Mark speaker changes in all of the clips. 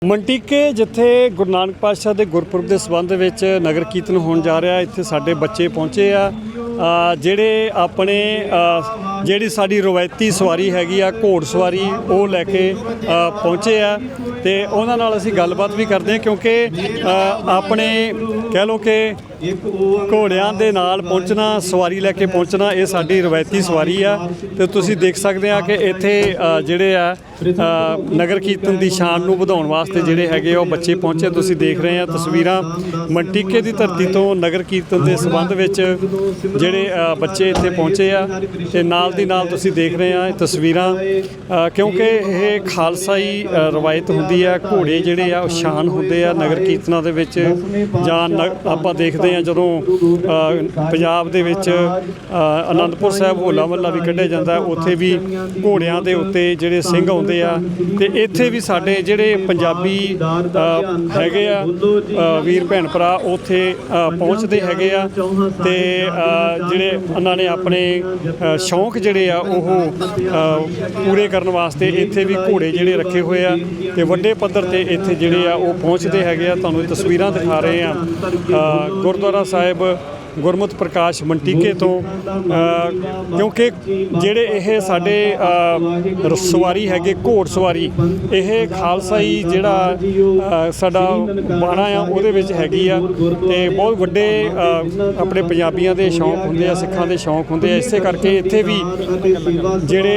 Speaker 1: ਮੰਟੀਕੇ ਜਿੱਥੇ ਗੁਰੂ ਨਾਨਕ ਪਾਤਸ਼ਾਹ ਦੇ ਗੁਰਪੁਰਬ ਦੇ ਸੰਬੰਧ ਵਿੱਚ ਨਗਰ ਕੀਰਤਨ ਹੋਣ ਜਾ ਰਿਹਾ। ਇੱਥੇ ਸਾਡੇ ਬੱਚੇ ਪਹੁੰਚੇ ਆ ਜਿਹੜੇ ਆਪਣੇ ਜਿਹੜੀ ਸਾਡੀ ਰਵਾਇਤੀ ਸਵਾਰੀ ਹੈਗੀ ਆ ਘੋੜ ਸਵਾਰੀ ਉਹ ਲੈ ਕੇ ਪਹੁੰਚੇ ਆ ਤੇ ਉਹਨਾਂ ਨਾਲ ਅਸੀਂ ਗੱਲਬਾਤ ਵੀ ਕਰਦੇ ਹਾਂ ਕਿਉਂਕਿ ਆਪਣੇ ਕਹਿ ਲਓ ਕਿ ਘੋੜਿਆਂ ਦੇ ਨਾਲ ਪਹੁੰਚਣਾ ਸਵਾਰੀ ਲੈ ਕੇ ਪਹੁੰਚਣਾ ਇਹ ਸਾਡੀ ਰਵਾਇਤੀ ਸਵਾਰੀ ਆ ਤੇ ਤੁਸੀਂ ਦੇਖ ਸਕਦੇ ਆ ਕਿ ਇੱਥੇ ਜਿਹੜੇ ਆ ਨਗਰ ਕੀਰਤਨ ਦੀ ਸ਼ਾਨ ਨੂੰ ਵਧਾਉਣ ਵਾਸਤੇ ਜਿਹੜੇ ਹੈਗੇ ਉਹ ਬੱਚੇ ਪਹੁੰਚੇ। ਤੁਸੀਂ ਦੇਖ ਰਹੇ ਆ ਤਸਵੀਰਾਂ ਮੰਟੀਕੇ ਦੀ ਧਰਤੀ ਤੋਂ ਨਗਰ ਕੀਰਤਨ ਦੇ ਸੰਬੰਧ ਵਿੱਚ ਜਿਹੜੇ ਬੱਚੇ ਇੱਥੇ ਪਹੁੰਚੇ ਆ ਤੇ ਨਾਲ ਦੀ ਨਾਲ ਤੁਸੀਂ ਦੇਖ ਰਹੇ ਆ ਇਹ ਤਸਵੀਰਾਂ ਕਿਉਂਕਿ ਇਹ ਖਾਲਸਾਈ ਰਵਾਇਤ ਹੁੰਦੀ ਆ। ਘੋੜੇ ਜਿਹੜੇ ਆ ਉਹ ਸ਼ਾਨ ਹੁੰਦੇ ਆ ਨਗਰ ਕੀਰਤਨਾਂ ਦੇ ਵਿੱਚ ਜਾਂ ਆਪਾਂ ਦੇਖਦੇ ਆ ਜਦੋਂ ਪੰਜਾਬ ਦੇ ਵਿੱਚ ਅਨੰਦਪੁਰ ਸਾਹਿਬ ਹੋਲਾ ਮਹੱਲਾ ਵੀ ਕੱਢਿਆ ਜਾਂਦਾ ਉੱਥੇ ਵੀ ਘੋੜਿਆਂ ਦੇ ਉੱਤੇ ਜਿਹੜੇ ਸਿੰਘ ਆਉਂਦੇ ਆ ਤੇ ਇੱਥੇ ਵੀ ਸਾਡੇ ਜਿਹੜੇ ਪੰਜਾਬੀ ਹੈਗੇ ਆ ਵੀਰ ਭੈਣ ਭਰਾ ਉੱਥੇ ਪਹੁੰਚਦੇ ਹੈਗੇ ਆ ਤੇ ਜਿਹੜੇ ਉਹਨਾਂ ਨੇ ਆਪਣੇ ਸ਼ੌਂਕ ਜਿਹੜੇ ਆ ਉਹ ਪੂਰੇ ਕਰਨ ਵਾਸਤੇ ਇੱਥੇ ਵੀ ਘੋੜੇ ਜਿਹੜੇ ਰੱਖੇ ਹੋਏ ਆ ਤੇ ਵੱਡੇ ਪੱਧਰ ਤੇ ਇੱਥੇ ਜਿਹੜੇ ਆ ਉਹ ਪਹੁੰਚਦੇ ਹੈਗੇ ਆ। ਤੁਹਾਨੂੰ ਤਸਵੀਰਾਂ ਦਿਖਾ ਰਹੇ ਆ ਗੁਰਦੁਆਰਾ ਸਾਹਿਬ ਗੁਰਮਤਿ ਪ੍ਰਕਾਸ਼ ਮੰਟੀਕੇ ਤੋਂ ਕਿਉਂਕਿ ਜਿਹੜੇ ਇਹ ਸਾਡੇ ਸਵਾਰੀ ਹੈਗੇ ਘੋੜ ਸਵਾਰੀ ਇਹ ਖਾਲਸਾਈ ਜਿਹੜਾ ਸਾਡਾ ਬਾਣਾ ਆ ਉਹਦੇ ਵਿੱਚ ਹੈਗੀ ਆ ਤੇ ਬਹੁਤ ਵੱਡੇ ਆਪਣੇ ਪੰਜਾਬੀਆਂ ਦੇ ਸ਼ੌਂਕ ਹੁੰਦੇ ਆ ਸਿੱਖਾਂ ਦੇ ਸ਼ੌਂਕ ਹੁੰਦੇ ਆ। ਇਸੇ ਕਰਕੇ ਇੱਥੇ ਵੀ ਜਿਹੜੇ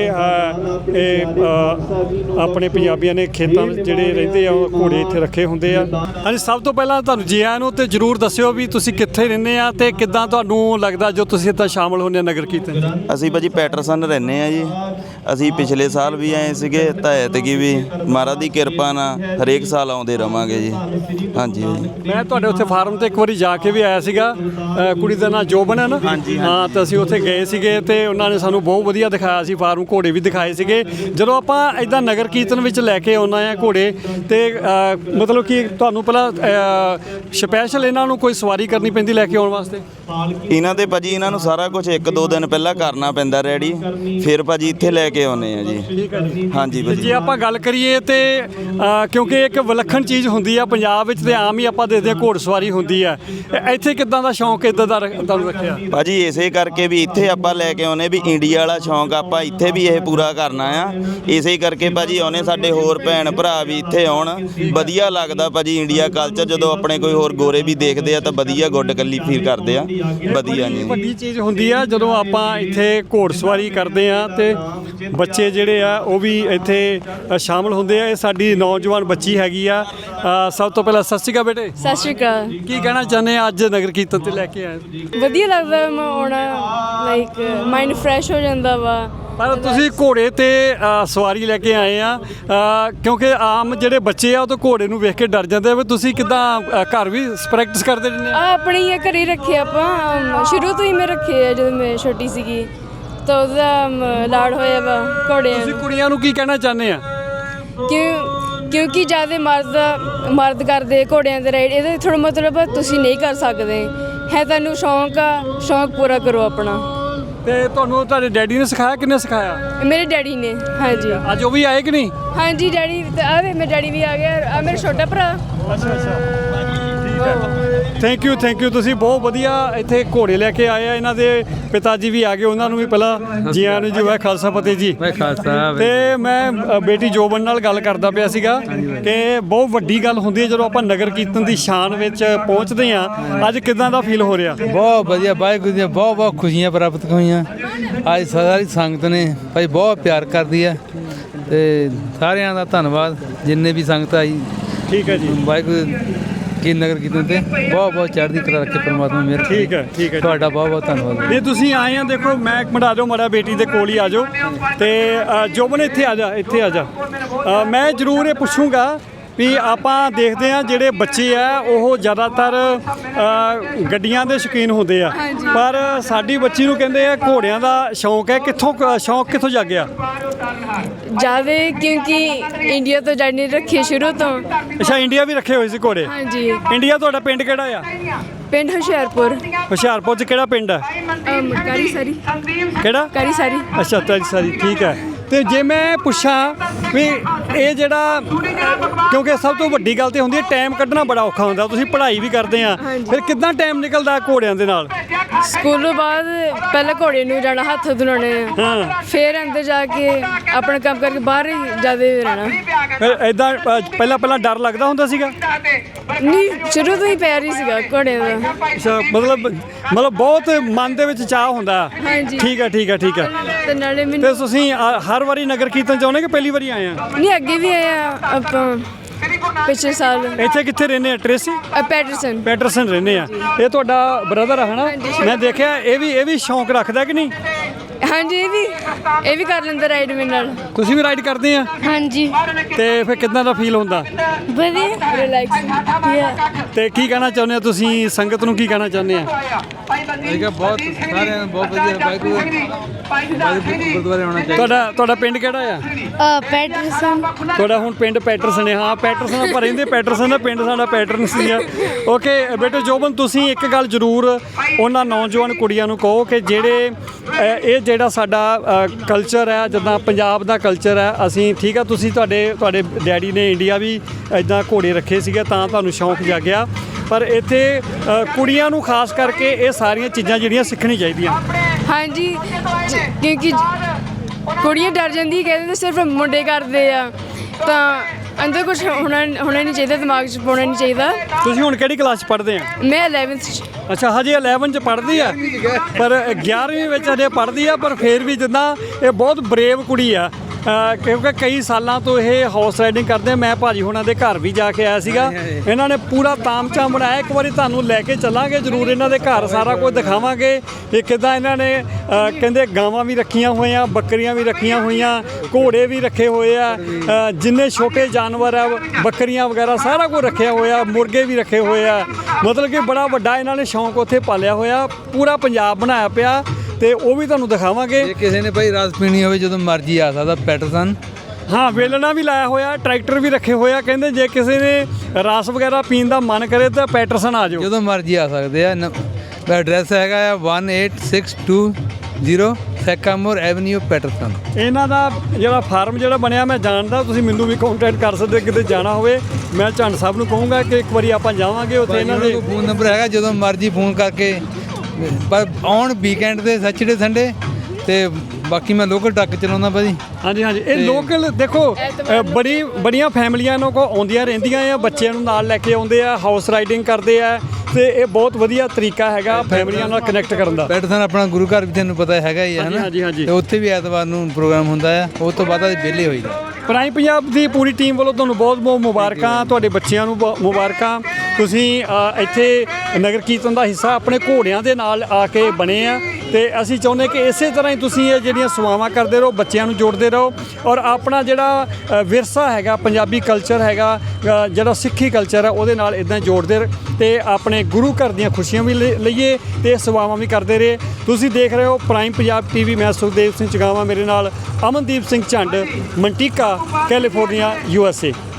Speaker 1: ਇਹ ਆਪਣੇ ਪੰਜਾਬੀਆਂ ਨੇ ਖੇਤਾਂ ਵਿੱਚ ਜਿਹੜੇ ਰਹਿੰਦੇ ਆ ਉਹ ਘੋੜੇ ਇੱਥੇ ਰੱਖੇ ਹੁੰਦੇ ਆ। ਹਾਂਜੀ, ਸਭ ਤੋਂ ਪਹਿਲਾਂ ਤੁਹਾਨੂੰ ਜੀ ਆਇਆਂ ਨੂੰ ਤੇ ਜ਼ਰੂਰ ਦੱਸਿਓ ਵੀ ਤੁਸੀਂ ਕਿੱਥੇ ਰਹਿੰਦੇ ਆ ਤੇ ਕਿੱਦਾਂ ਤੁਹਾਨੂੰ ਲੱਗਦਾ ਜੋ ਤੁਸੀਂ ਇੱਥੇ ਸ਼ਾਮਲ ਹੁੰਦੇ ਨਗਰ ਕੀਰਤਨ?
Speaker 2: ਅਸੀਂ ਭਾਜੀ ਪੈਟਰਸਨ ਰਹਿੰਦੇ ਆ ਜੀ। ਅਸੀਂ ਪਿਛਲੇ ਸਾਲ ਵੀ ਆਏ ਸੀਗੇ ਤਾਂ ਐਤਕੀ ਵੀ ਮਹਾਰਾਜ ਦੀ ਕਿਰਪਾ ਨਾਲ ਹਰੇਕ ਸਾਲ ਆਉਂਦੇ ਰਵਾਂਗੇ ਜੀ। ਹਾਂਜੀ ਜੀ,
Speaker 1: ਮੈਂ ਤੁਹਾਡੇ ਉੱਥੇ ਫਾਰਮ ਤੇ ਇੱਕ ਵਾਰੀ ਜਾ ਕੇ ਵੀ ਆਇਆ ਸੀਗਾ। ਕੁੜੀ ਦਾ ਨਾਂ ਜੋਬਨ ਹੈ ਨਾ?
Speaker 2: ਹਾਂਜੀ
Speaker 1: ਹਾਂ, ਤਾਂ ਅਸੀਂ ਉੱਥੇ ਗਏ ਸੀਗੇ ਤੇ ਉਹਨਾਂ ਨੇ ਸਾਨੂੰ ਬਹੁਤ ਵਧੀਆ ਦਿਖਾਇਆ ਸੀ ਫਾਰਮ, ਘੋੜੇ ਵੀ ਦਿਖਾਏ ਸੀਗੇ। ਜਦੋਂ ਆਪਾਂ ਇੱਦਾਂ ਨਗਰ ਕੀਰਤਨ ਵਿੱਚ ਲੈ ਕੇ ਆਉਣਾ ਆ ਘੋੜੇ ਤੇ ਮਤਲਬ ਕਿ ਤੁਹਾਨੂੰ ਪਹਿਲਾਂ ਸਪੈਸ਼ਲ ਇਹਨਾਂ ਨੂੰ ਕੋਈ ਸਵਾਰੀ ਕਰਨੀ ਪੈਂਦੀ ਲੈ ਕੇ ਆਉਣ ਵਾਸਤੇ?
Speaker 2: ਇਹਨਾਂ ਦੇ ਭਾਜੀ ਇਹਨਾਂ ਨੂੰ ਸਾਰਾ ਕੁਝ 1-2 ਦਿਨ ਪਹਿਲਾਂ ਕਰਨਾ ਪੈਂਦਾ ਰੈਡੀ, ਫਿਰ ਭਾਜੀ ਇੱਥੇ ਲੈ ਕੇ ਆਉਨੇ ਆ ਜੀ।
Speaker 1: ਠੀਕ ਹੈ ਜੀ।
Speaker 2: ਹਾਂਜੀ ਭਾਜੀ,
Speaker 1: ਜੇ ਆਪਾਂ ਗੱਲ ਕਰੀਏ ਤੇ ਕਿਉਂਕਿ ਇੱਕ ਵਿਲੱਖਣ ਚੀਜ਼ ਹੁੰਦੀ ਆ ਪੰਜਾਬ ਵਿੱਚ ਤੇ ਆਮ ਹੀ ਆਪਾਂ ਦੇਖਦੇ ਹਾਂ ਘੋੜ ਸਵਾਰੀ ਹੁੰਦੀ ਆ। ਇੱਥੇ ਕਿੱਦਾਂ ਦਾ ਸ਼ੌਂਕ ਇੱਦਾਂ ਦਾ ਤੁਹਾਨੂੰ ਰੱਖਿਆ?
Speaker 2: ਭਾਜੀ ਇਸੇ ਕਰਕੇ ਵੀ ਇੱਥੇ ਆਪਾਂ ਲੈ ਕੇ ਆਉਨੇ ਵੀ ਇੰਡੀਆ ਵਾਲਾ ਸ਼ੌਂਕ ਆਪਾਂ ਇੱਥੇ ਵੀ ਇਹ ਪੂਰਾ ਕਰਨਾ ਆ। ਇਸੇ ਕਰਕੇ ਭਾਜੀ ਆਉਨੇ ਸਾਡੇ ਹੋਰ ਭੈਣ ਭਰਾ ਵੀ ਇੱਥੇ ਆਉਣ। ਵਧੀਆ ਲੱਗਦਾ ਭਾਜੀ ਇੰਡੀਆ ਕਲਚਰ, ਜਦੋਂ ਆਪਣੇ ਕੋਈ ਹੋਰ ਗੋਰੇ ਵੀ ਦੇਖਦੇ ਆ ਤਾਂ ਵਧੀਆ ਗੁੱਡ ਕੱਲੀ ਫੀਲ ਕਰਦੇ ਆ। ਵਧੀਆ ਜੀ,
Speaker 1: ਵੱਡੀ ਚੀਜ਼ ਹੁੰਦੀ ਆ ਜਦੋਂ ਆਪਾਂ ਇੱਥੇ ਘੋੜ ਸਵਾਰੀ ਕਰਦੇ ਆ ਤੇ ਬੱਚੇ ਜਿਹੜੇ ਆ ਉਹ ਵੀ ਇੱਥੇ ਸ਼ਾਮਲ ਹੁੰਦੇ ਆ। ਇਹ ਸਾਡੀ ਨੌਜਵਾਨ ਬੱਚੀ ਹੈਗੀ ਆ। ਸਭ ਤੋਂ ਪਹਿਲਾਂ ਸਤਿ ਸ਼੍ਰੀ ਅਕਾਲ ਬੇਟੇ।
Speaker 3: ਸਤਿ ਸ਼੍ਰੀ ਅਕਾਲ।
Speaker 1: ਕੀ ਕਹਿਣਾ ਚਾਹੁੰਦੇ ਆ ਅੱਜ ਨਗਰ ਕੀਰਤਨ ਤੇ ਲੈ ਕੇ ਆਏ?
Speaker 3: ਵਧੀਆ ਲੱਗਦਾ ਮੈਂ ਆਉਣਾ, ਲਾਈਕ ਮਾਈਂਡ ਫਰੈਸ਼ ਹੋ ਜਾਂਦਾ ਵਾ।
Speaker 1: ਪਰ ਤੁਸੀਂ ਘੋੜੇ ਤੇ ਸਵਾਰੀ ਲੈ ਕੇ ਆਏ ਆ ਕਿਉਂਕਿ ਆਮ ਜਿਹੜੇ ਬੱਚੇ ਆ ਉਹ ਤਾਂ ਘੋੜੇ ਨੂੰ ਵੇਖ ਕੇ ਡਰ ਜਾਂਦੇ ਆ। ਵੀ ਤੁਸੀਂ ਕਿੱਦਾਂ ਘਰ ਵੀ ਪ੍ਰੈਕਟਿਸ ਕਰਦੇ ਰਹਿੰਦੇ ਆ?
Speaker 3: ਆਪਣੇ ਹੀ ਘਰੇ ਰੱਖੇ ਆਪਾਂ, ਸ਼ੁਰੂ ਤੋਂ ਹੀ ਮੈਂ ਰੱਖੇ ਆ ਜਦੋਂ ਮੈਂ ਛੋਟੀ ਸੀਗੀ ਤਾਂ ਉਹਦਾ ਲਾੜ ਹੋਇਆ ਵਾ ਘੋੜਿਆਂ।
Speaker 1: ਤੁਸੀਂ ਕੁੜੀਆਂ ਨੂੰ ਕੀ ਕਹਿਣਾ ਚਾਹੁੰਦੇ ਆ?
Speaker 3: ਕਿਉਂਕਿ ਜ਼ਿਆਦਾ ਮਰਦ ਕਰਦੇ ਘੋੜਿਆਂ ਦੇ ਰਾਈਡ, ਇਹਦਾ ਥੋੜ੍ਹਾ ਮਤਲਬ ਤੁਸੀਂ ਨਹੀਂ ਕਰ ਸਕਦੇ ਹੈ। ਤੁਹਾਨੂੰ ਸ਼ੌਂਕ ਆ, ਸ਼ੌਂਕ ਪੂਰਾ ਕਰੋ ਆਪਣਾ।
Speaker 1: ਤੇ ਤੁਹਾਨੂੰ ਤੁਹਾਡੇ ਡੈਡੀ ਨੇ ਸਿਖਾਇਆ? ਕਿੰਨੇ ਸਿਖਾਇਆ?
Speaker 3: ਮੇਰੇ ਡੈਡੀ ਨੇ। ਹਾਂਜੀ,
Speaker 1: ਅੱਜ ਉਹ ਵੀ ਆਏ ਕਿ ਨਹੀਂ?
Speaker 3: ਹਾਂਜੀ ਡੈਡੀ ਆ ਵੇ, ਮੇਰੇ ਡੈਡੀ ਵੀ ਆ ਗਿਆ। ਆ ਮੇਰਾ ਛੋਟਾ ਭਰਾ।
Speaker 1: ਅੱਛਾ, ਠੀਕ ਹੈ। ਥੈਂਕ ਯੂ ਤੁਸੀਂ ਬਹੁਤ ਵਧੀਆ ਇੱਥੇ ਘੋੜੇ ਲੈ ਕੇ ਆਏ ਆ। ਇਹਨਾਂ ਦੇ ਪਿਤਾ ਜੀ ਵੀ ਆ ਗਏ, ਉਹਨਾਂ ਨੂੰ ਵੀ ਪਹਿਲਾਂ ਜੀ ਆਇਆਂ ਨੂੰ ਜੀ। ਵਾਹਿ ਖਾਲਸਾ ਫਤਿਹ ਜੀ। ਤੇ ਮੈਂ ਬੇਟੀ ਜੋਬਨ ਨਾਲ ਗੱਲ ਕਰਦਾ ਪਿਆ ਸੀਗਾ ਕਿ ਬਹੁਤ ਵੱਡੀ ਗੱਲ ਹੁੰਦੀ ਹੈ ਜਦੋਂ ਆਪਾਂ ਨਗਰ ਕੀਰਤਨ ਦੀ ਸ਼ਾਨ ਵਿੱਚ ਪਹੁੰਚਦੇ ਆ। ਅੱਜ ਕਿੱਦਾਂ ਦਾ ਫੀਲ ਹੋ ਰਿਹਾ?
Speaker 4: ਬਹੁਤ ਵਧੀਆ, ਵਾਹਿਗੁਰੂ ਦੀਆਂ ਬਹੁਤ ਖੁਸ਼ੀਆਂ ਪ੍ਰਾਪਤ ਹੋਈਆਂ। ਅੱਜ ਸਾਰੀ ਸੰਗਤ ਨੇ ਭਾਈ ਬਹੁਤ ਪਿਆਰ ਕਰਦੀ ਹੈ ਤੇ ਸਾਰਿਆਂ ਦਾ ਧੰਨਵਾਦ ਜਿੰਨੇ ਵੀ ਸੰਗਤ ਆਈ।
Speaker 1: ਠੀਕ ਹੈ ਜੀ।
Speaker 4: ਵਾਹਿਗੁਰੂ ਕੀ ਨਗਰ ਕੀਰਤਨ ਤੇ ਬਹੁਤ ਚੜ੍ਹਦੀ ਕਲਾ ਰੱਖੇ ਪਰਮਾਤਮਾ ਮੇਰ।
Speaker 1: ਠੀਕ ਹੈ
Speaker 4: ਤੁਹਾਡਾ ਬਹੁਤ ਧੰਨਵਾਦ।
Speaker 1: ਇਹ ਤੁਸੀਂ ਆਏ ਆ, ਦੇਖੋ ਮੈਂ ਇੱਕ ਮਿੰਟ ਆ ਜਾਓ, ਮਾੜਾ ਬੇਟੀ ਦੇ ਕੋਲ ਹੀ ਆ ਜਾਓ ਤੇ ਜੋਬਨ ਇੱਥੇ ਆ ਜਾ। ਮੈਂ ਜ਼ਰੂਰ ਇਹ ਪੁੱਛੂੰਗਾ ਵੀ ਆਪਾਂ ਦੇਖਦੇ ਆ ਜਿਹੜੇ ਬੱਚੇ ਆ ਉਹ ਜ਼ਿਆਦਾਤਰ ਗੱਡੀਆਂ ਦੇ ਸ਼ੌਕੀਨ ਹੁੰਦੇ ਆ, ਪਰ ਸਾਡੀ ਬੱਚੀ ਨੂੰ ਕਹਿੰਦੇ ਆ ਘੋੜਿਆਂ ਦਾ ਸ਼ੌਂਕ ਹੈ। ਸ਼ੌਂਕ ਕਿੱਥੋਂ ਜਾਗਿਆ?
Speaker 3: ਜ਼ਿਆਦਾ ਕਿਉਂਕਿ ਇੰਡੀਆ ਤੋਂ ਜਾਣੀ ਰੱਖੀ ਸ਼ੁਰੂ ਤੋਂ।
Speaker 1: ਅੱਛਾ, ਇੰਡੀਆ ਵੀ ਰੱਖੇ ਹੋਏ ਸੀ ਘੋੜੇ?
Speaker 3: ਹਾਂਜੀ।
Speaker 1: ਇੰਡੀਆ ਤੁਹਾਡਾ ਪਿੰਡ ਕਿਹੜਾ ਆ?
Speaker 3: ਪਿੰਡ ਹੁਸ਼ਿਆਰਪੁਰ।
Speaker 1: ਹੁਸ਼ਿਆਰਪੁਰ 'ਚ ਕਿਹੜਾ ਪਿੰਡ ਆ?
Speaker 3: ਕਾਰੀ ਸਾਰੀ।
Speaker 1: ਕਿਹੜਾ?
Speaker 3: ਕਾਰੀ ਸਾਰੀ।
Speaker 1: ਅੱਛਾ, ਕਾਰੀ ਸਾਰੀ, ਠੀਕ ਹੈ। ਤੇ ਜੇ ਮੈਂ ਪੁੱਛਾਂ ਵੀ ਇਹ ਜਿਹੜਾ ਕਿਉਂਕਿ ਸਭ ਤੋਂ ਵੱਡੀ ਗੱਲ ਤੇ ਹੁੰਦੀ ਹੈ ਟਾਈਮ ਕੱਢਣਾ ਬੜਾ ਔਖਾ ਹੁੰਦਾ, ਤੁਸੀਂ ਪੜ੍ਹਾਈ ਵੀ ਕਰਦੇ ਆ, ਫਿਰ ਕਿੱਦਾਂ ਟਾਈਮ ਨਿਕਲਦਾ ਘੋੜਿਆਂ ਦੇ ਨਾਲ?
Speaker 3: ਸਕੂਲੋਂ ਬਾਅਦ ਪਹਿਲਾਂ ਘੋੜੇ ਨੂੰ ਜਾਣਾ, ਹੱਥ ਧੁਲਾਉਣੇ ਆ,
Speaker 1: ਹਾਂ,
Speaker 3: ਫਿਰ ਅੰਦਰ ਜਾ ਕੇ ਆਪਣਾ ਕੰਮ ਕਰਕੇ ਬਾਹਰ ਹੀ ਜਿਆਦਾ ਰਹਿਣਾ।
Speaker 1: ਫਿਰ ਇਦਾਂ ਪਹਿਲਾਂ ਡਰ ਲੱਗਦਾ ਹੁੰਦਾ ਸੀਗਾ?
Speaker 3: ਨਹੀਂ, ਸ਼ੁਰੂ ਤੋਂ ਹੀ ਪਿਆਰ ਹੀ ਸੀਗਾ ਘੋੜਿਆਂ ਦਾ।
Speaker 1: ਅੱਛਾ, ਮਤਲਬ ਬਹੁਤ ਮਨ ਦੇ ਵਿੱਚ ਚਾਹ ਹੁੰਦਾ।
Speaker 3: ਹਾਂਜੀ।
Speaker 1: ਠੀਕ ਹੈ
Speaker 3: ਤੇ ਨਾਲੇ
Speaker 1: ਤੇ
Speaker 3: ਮੈਨੂੰ
Speaker 1: ਤੁਸੀਂ ਹਰ ਵਾਰੀ ਨਗਰ ਕੀਰਤਨ ਚਾਹੁੰਦੇ ਕਿ ਪਹਿਲੀ ਵਾਰੀ ਆਏ ਆ?
Speaker 3: ਨਹੀਂ, ਅੱਗੇ ਵੀ ਆਏ ਆ ਆਪਾਂ ਪਿਛਲੇ ਸਾਲ
Speaker 1: ਇੱਥੇ ਕਿੱਥੇ ਰਹਿੰਦੇ ਆ? ਟ੍ਰੇਸੀ ਪੈਟਰਸਨ ਰਹਿੰਦੇ ਆ। ਇਹ ਤੁਹਾਡਾ ਬ੍ਰਦਰ ਆ ਹਨਾ? ਮੈਂ ਦੇਖਿਆ ਇਹ ਵੀ ਸ਼ੌਂਕ ਰੱਖਦਾ ਕਿ ਨਹੀਂ?
Speaker 3: ਹਾਂਜੀ, ਇਹ ਵੀ ਕਰ ਲੈਂਦਾ ਰਾਈਡ ਮੇਰੇ ਨਾਲ।
Speaker 1: ਤੁਸੀਂ ਵੀ ਰਾਈਡ ਕਰਦੇ ਆ?
Speaker 3: ਹਾਂਜੀ,
Speaker 1: ਤੇ ਫਿਰ ਕਿੱਦਾਂ ਦਾ ਫੀਲ ਹੁੰਦਾ?
Speaker 3: ਵਧੀਆ, ਰਿਲੈਕਸ।
Speaker 1: ਤੇ ਕੀ ਕਹਿਣਾ ਚਾਹੁੰਦੇ ਆ ਤੁਸੀਂ ਸੰਗਤ ਨੂੰ, ਕੀ ਕਹਿਣਾ ਚਾਹੁੰਦੇ ਆ?
Speaker 4: ਠੀਕ ਹੈ, ਬਹੁਤ ਸਾਰਿਆਂ ਨੂੰ ਬਹੁਤ ਵਧੀਆ ਵਾਹਿਗੁਰੂ ਗੁਰਦੁਆਰੇ ਆਉਣਾ ਚਾਹੀਦਾ।
Speaker 1: ਤੁਹਾਡਾ ਪਿੰਡ ਕਿਹੜਾ ਆ?
Speaker 3: ਪੈਟਰਸਨ।
Speaker 1: ਤੁਹਾਡਾ ਹੁਣ ਪਿੰਡ ਪੈਟਰਸਨ ਹੈ? ਹਾਂ, ਪੈਟਰਸਨ ਆਪਾਂ ਰਹਿੰਦੇ ਪੈਟਰਸਨ ਦਾ, ਪਿੰਡ ਸਾਡਾ ਪੈਟਰਸਨ ਆ। ਓਕੇ ਬੇਟੇ ਜੋਬਨ, ਤੁਸੀਂ ਇੱਕ ਗੱਲ ਜ਼ਰੂਰ ਉਹਨਾਂ ਨੌਜਵਾਨ ਕੁੜੀਆਂ ਨੂੰ ਕਹੋ ਕਿ ਜਿਹੜੇ ਇਹ ਜਿਹੜਾ ਸਾਡਾ ਕਲਚਰ ਹੈ, ਜਿੱਦਾਂ ਪੰਜਾਬ ਦਾ ਕਲਚਰ ਹੈ, ਅਸੀਂ ਠੀਕ ਆ, ਤੁਸੀਂ ਤੁਹਾਡੇ ਡੈਡੀ ਨੇ ਇੰਡੀਆ ਵੀ ਇੱਦਾਂ ਘੋੜੇ ਰੱਖੇ ਸੀਗੇ ਤਾਂ ਤੁਹਾਨੂੰ ਸ਼ੌਂਕ ਜਾਗਿਆ, ਪਰ ਇੱਥੇ ਕੁੜੀਆਂ ਨੂੰ ਖਾਸ ਕਰਕੇ ਇਹ ਸਾਰੀਆਂ ਚੀਜ਼ਾਂ ਜਿਹੜੀਆਂ ਸਿੱਖਣੀ ਚਾਹੀਦੀਆਂ।
Speaker 3: ਹਾਂਜੀ, ਕਿਉਂਕਿ ਕੁੜੀਆਂ ਡਰ ਜਾਂਦੀ, ਕਹਿੰਦੇ ਸਿਰਫ ਮੁੰਡੇ ਕਰਦੇ ਆ, ਤਾਂ ਅੰਦਰ ਕੁਝ ਹੋਣਾ ਨਹੀਂ ਚਾਹੀਦਾ, ਦਿਮਾਗ 'ਚ ਪਾਉਣਾ ਨਹੀਂ ਚਾਹੀਦਾ।
Speaker 1: ਤੁਸੀਂ ਹੁਣ ਕਿਹੜੀ ਕਲਾਸ 'ਚ ਪੜ੍ਹਦੇ ਆ?
Speaker 3: ਮੈਂ 11th 'ਚ।
Speaker 1: ਅੱਛਾ, ਹਜੇ 11 ਚ ਪੜ੍ਹਦੀ ਆ, ਪਰ 11ਵੀਂ ਵਿੱਚ ਹਜੇ ਪੜ੍ਹਦੀ ਆ, ਪਰ ਫਿਰ ਵੀ ਜਿੱਦਾਂ ਇਹ ਬਹੁਤ ਬਰੇਵ ਕੁੜੀ ਆ, ਕਿਉਂਕਿ ਕਈ ਸਾਲਾਂ ਤੋਂ ਇਹ ਹਾਰਸ ਰਾਈਡਿੰਗ ਕਰਦੇ ਆ। ਮੈਂ ਭਾਜੀ ਹੁਣਾਂ ਦੇ ਘਰ ਵੀ ਜਾ ਕੇ ਆਇਆ ਸੀਗਾ, ਇਹਨਾਂ ਨੇ ਪੂਰਾ ਤਾਮਝਾਮ ਬਣਾਇਆ। ਇੱਕ ਵਾਰੀ ਤੁਹਾਨੂੰ ਲੈ ਕੇ ਚੱਲਾਂਗੇ ਜ਼ਰੂਰ ਇਹਨਾਂ ਦੇ ਘਰ, ਸਾਰਾ ਕੁਝ ਦਿਖਾਵਾਂਗੇ ਕਿ ਕਿੱਦਾਂ ਇਹਨਾਂ ਨੇ ਕਹਿੰਦੇ ਗਾਵਾਂ ਵੀ ਰੱਖੀਆਂ ਹੋਈਆਂ, ਬੱਕਰੀਆਂ ਵੀ ਰੱਖੀਆਂ ਹੋਈਆਂ, ਘੋੜੇ ਵੀ ਰੱਖੇ ਹੋਏ ਆ, ਜਿੰਨੇ ਛੋਟੇ ਜਾਨਵਰ ਆ, ਬੱਕਰੀਆਂ ਵਗੈਰਾ ਸਾਰਾ ਕੁਝ ਰੱਖਿਆ ਹੋਇਆ, ਮੁਰਗੇ ਵੀ ਰੱਖੇ ਹੋਏ ਆ। ਮਤਲਬ ਕਿ ਬੜਾ ਵੱਡਾ ਇਹਨਾਂ ਨੇ ਸ਼ੌਂਕ ਉੱਥੇ ਪਾਲਿਆ ਹੋਇਆ, ਪੂਰਾ ਪੰਜਾਬ ਬਣਾਇਆ ਪਿਆ, ਤੇ ਉਹ ਵੀ ਤੁਹਾਨੂੰ ਦਿਖਾਵਾਂਗੇ।
Speaker 4: ਜੇ ਕਿਸੇ ਨੇ ਭਾਈ ਰਸ ਪੀਣੀ ਹੋਵੇ ਜਦੋਂ ਮਰਜ਼ੀ ਆ ਸਕਦਾ ਪੈਟਰਸਨ।
Speaker 1: ਹਾਂ, ਵੇਲਣਾ ਵੀ ਲਾਇਆ ਹੋਇਆ, ਟਰੈਕਟਰ ਵੀ ਰੱਖੇ ਹੋਇਆ, ਕਹਿੰਦੇ ਜੇ ਕਿਸੇ ਨੇ ਰਸ ਵਗੈਰਾ ਪੀਣ ਦਾ ਮਨ ਕਰੇ ਤਾਂ ਪੈਟਰਸਨ ਆ ਜਾਓ,
Speaker 4: ਜਦੋਂ ਮਰਜ਼ੀ ਆ ਸਕਦੇ ਆ। ਐਡਰੈਸ ਹੈਗਾ ਆ 18620 ਸੈਕਾਮੋਰ ਐਵਨਿਊ ਪੈਟਰਸਨ।
Speaker 1: ਇਹਨਾਂ ਦਾ ਜਿਹੜਾ ਫਾਰਮ ਜਿਹੜਾ ਬਣਿਆ ਮੈਂ ਜਾਣਦਾ, ਤੁਸੀਂ ਮੈਨੂੰ ਵੀ ਕੰਟੈਕਟ ਕਰ ਸਕਦੇ, ਕਿਤੇ ਜਾਣਾ ਹੋਵੇ ਮੈਂ ਝੰਡ ਸਾਹਿਬ ਨੂੰ ਕਹੂੰਗਾ ਕਿ ਇੱਕ ਵਾਰੀ ਆਪਾਂ ਜਾਵਾਂਗੇ ਉੱਥੇ। ਇਹਨਾਂ ਦੇ
Speaker 4: ਫੋਨ ਨੰਬਰ ਹੈਗਾ, ਜਦੋਂ ਮਰਜ਼ੀ ਫੋਨ ਕਰਕੇ, ਪਰ ਆਉਣ ਵੀਕਐਂਡ ਦੇ ਸੈਚਰਡੇ ਸੰਡੇ, ਤੇ ਬਾਕੀ ਮੈਂ ਲੋਕਲ ਟਰੱਕ ਚਲਾਉਂਦਾ ਭਾਜੀ। ਹਾਂਜੀ,
Speaker 1: ਇਹ ਲੋਕਲ ਦੇਖੋ ਬੜੀਆਂ ਫੈਮਲੀਆਂ ਇਹਨਾਂ ਕੋਲ ਆਉਂਦੀਆਂ ਰਹਿੰਦੀਆਂ ਆ, ਬੱਚਿਆਂ ਨੂੰ ਨਾਲ ਲੈ ਕੇ ਆਉਂਦੇ ਆ, ਹਾਊਸ ਰਾਈਡਿੰਗ ਕਰਦੇ ਆ, ਤੇ ਇਹ ਬਹੁਤ ਵਧੀਆ ਤਰੀਕਾ ਹੈਗਾ ਫੈਮਲੀਆਂ ਨਾਲ ਕਨੈਕਟ ਕਰਨ ਦਾ।
Speaker 4: ਪੈਟਰਸਨ ਆਪਣਾ ਗੁਰੂ ਘਰ ਵੀ ਤੁਹਾਨੂੰ ਪਤਾ ਹੈਗਾ ਹੀ ਹੈ ਨਾ?
Speaker 1: ਹਾਂਜੀ।
Speaker 4: ਤੇ ਉੱਥੇ ਵੀ ਐਤਵਾਰ ਨੂੰ ਪ੍ਰੋਗਰਾਮ ਹੁੰਦਾ ਆ, ਉਸ ਤੋਂ ਬਾਅਦ ਅਸੀਂ ਵਿਹਲੇ ਹੋਈਦਾ।
Speaker 1: ਪ੍ਰਾਈਮ ਪੰਜਾਬ ਦੀ ਪੂਰੀ ਟੀਮ ਵੱਲੋਂ ਤੁਹਾਨੂੰ ਬਹੁਤ ਮੁਬਾਰਕਾਂ, ਤੁਹਾਡੇ ਬੱਚਿਆਂ ਨੂੰ ਮੁਬਾਰਕਾਂ। ਤੁਸੀਂ ਇੱਥੇ ਨਗਰ ਕੀਰਤਨ ਦਾ ਹਿੱਸਾ ਆਪਣੇ ਘੋੜਿਆਂ ਦੇ ਨਾਲ ਆ ਕੇ ਬਣੇ ਆ, ਤੇ ਅਸੀਂ ਚਾਹੁੰਦੇ ਕਿ ਇਸੇ ਤਰ੍ਹਾਂ ਹੀ ਤੁਸੀਂ ਇਹ ਜਿਹੜੀਆਂ ਸੇਵਾਵਾਂ ਕਰਦੇ ਰਹੋ, ਬੱਚਿਆਂ ਨੂੰ ਜੋੜਦੇ ਰਹੋ, ਔਰ ਆਪਣਾ ਜਿਹੜਾ ਵਿਰਸਾ ਹੈਗਾ, ਪੰਜਾਬੀ ਕਲਚਰ ਹੈਗਾ, ਜਿਹੜਾ ਸਿੱਖੀ ਕਲਚਰ ਹੈ, ਉਹਦੇ ਨਾਲ ਇਦਾਂ ਜੋੜਦੇ ਤੇ ਆਪਣੇ ਗੁਰੂ ਘਰ ਦੀਆਂ ਖੁਸ਼ੀਆਂ ਵੀ ਲਈਏ ਤੇ ਸੇਵਾਵਾਂ ਵੀ ਕਰਦੇ ਰਹੇ। ਤੁਸੀਂ ਦੇਖ ਰਹੇ ਹੋ ਪ੍ਰਾਈਮ ਪੰਜਾਬ ਟੀਵੀ। ਮੈਂ ਸੁਖਦੇਵ ਸਿੰਘ ਚਗਾਵਾਂ, ਮੇਰੇ ਨਾਲ Amandeep Singh Jhand, Manteca, California, USA।